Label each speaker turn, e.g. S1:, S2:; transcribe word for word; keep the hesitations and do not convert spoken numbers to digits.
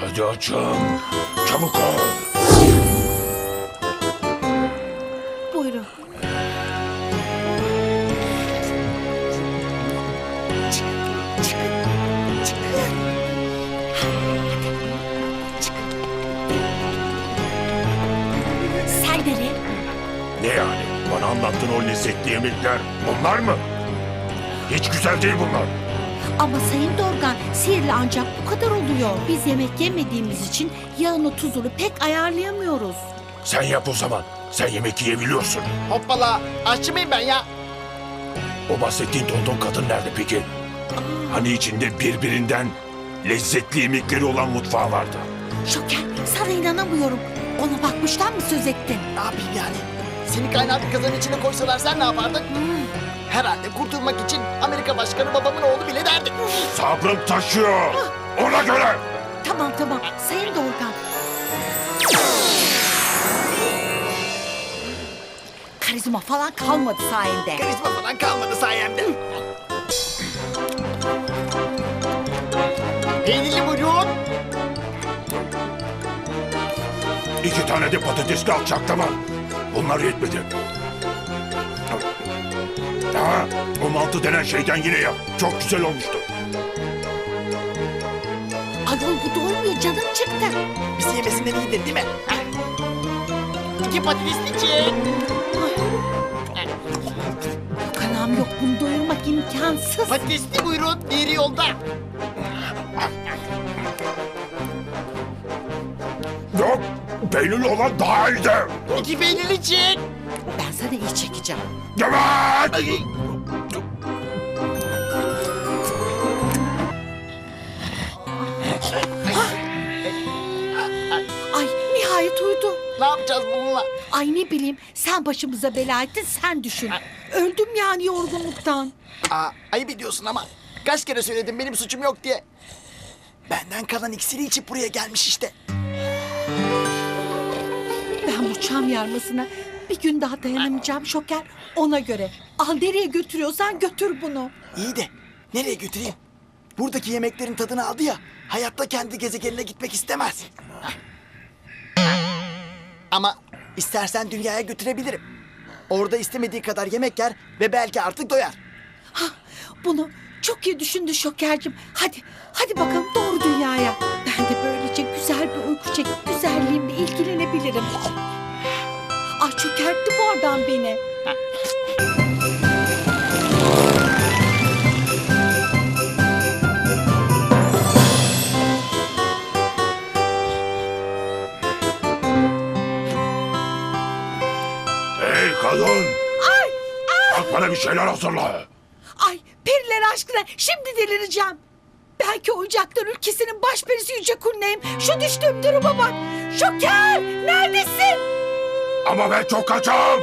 S1: Hadi açın. Çabuk ol.
S2: Buyurun. Çıkın, çıkın, çıkın. Çıkın. Sen nereye?
S1: Ne yani? Bana anlattığın o lezzetli yemekler bunlar mı? Hiç güzel değil bunlar.
S2: Ama Sayın Dorgan, sihirli ancak bu kadar oluyor. Biz yemek yemediğimiz için yağını tuzunu pek ayarlayamıyoruz.
S1: Sen yap o zaman. Sen yemek yiyebiliyorsun.
S3: Hoppala, aşçı mıyım ben ya?
S1: O bahsettiğin tonton kadın nerede peki? Hani içinde birbirinden lezzetli yemekleri olan mutfağı vardı.
S2: Şoker, sana inanamıyorum. Ona bakmıştan mı söz ettin?
S3: Ne yapayım yani? Seni kaynar bir kazanın içine koysalar sen ne yapardın? Herhalde kurtulmak için Amerika Başkanı babamın oğlu bile derdi.
S1: Sabrım taşıyor. Ona göre.
S2: Tamam tamam, Sayın Dorgan. Karizma falan kalmadı sayende.
S3: Karizma falan kalmadı sayemde. Peynirli buyurun.
S1: İki tane de patatesli alçaklama. Bunlar yetmedi. Ha, o mantı denen şeyden yine yap. Çok güzel olmuştu.
S2: Ayol bu doymuyor, canım çıktı.
S3: Bizi yemesinden iyidir değil mi? Ha? İki patatesli çiğ.
S2: Kanam yok, bunu doyurmak imkansız.
S3: Patatesli buyurun, diğeri yolda.
S1: Yok, peynirli olan daha iyiydi.
S3: İki peynirli çiğ.
S2: Ben sana iyi çekeceğim.
S1: Evet.
S2: Ay nihayet uyudu.
S3: Ne yapacağız bununla?
S2: Ay ne bileyim, sen başımıza bela ettin, sen düşün. Öldüm yani yorgunluktan.
S3: Aa, ayıp ediyorsun ama. Kaç kere söyledim benim suçum yok diye. Benden kalan iksiri içip buraya gelmiş işte.
S2: Ben bu çam yarmasına bir gün daha dayanamayacağım Şoker. Ona göre. Al, nereye götürüyorsan götür bunu.
S3: İyi de nereye götüreyim? Buradaki yemeklerin tadını aldı ya. Hayatta kendi gezegenine gitmek istemez. Ama istersen dünyaya götürebilirim. Orada istemediği kadar yemek yer ve belki artık doyar.
S2: Ha, bunu çok iyi düşündü Şoker'cim. Hadi, hadi bakalım doğru dünyaya. Ben de böylece güzel bir uyku çekip güzelliğimle ilgilenebilirim. Ay çökertti bu adam beni.
S1: Hey kadın.
S2: Ay, ay,
S1: Kalk bana bir şeyler hazırla.
S2: ay periler aşkına şimdi delireceğim. Belki oyuncaklar ülkesinin başperisi Yüce Kulneyim. Şu düştüğüm duruma bak. Şoker, neredesin?
S1: Ama ben çok kaçam.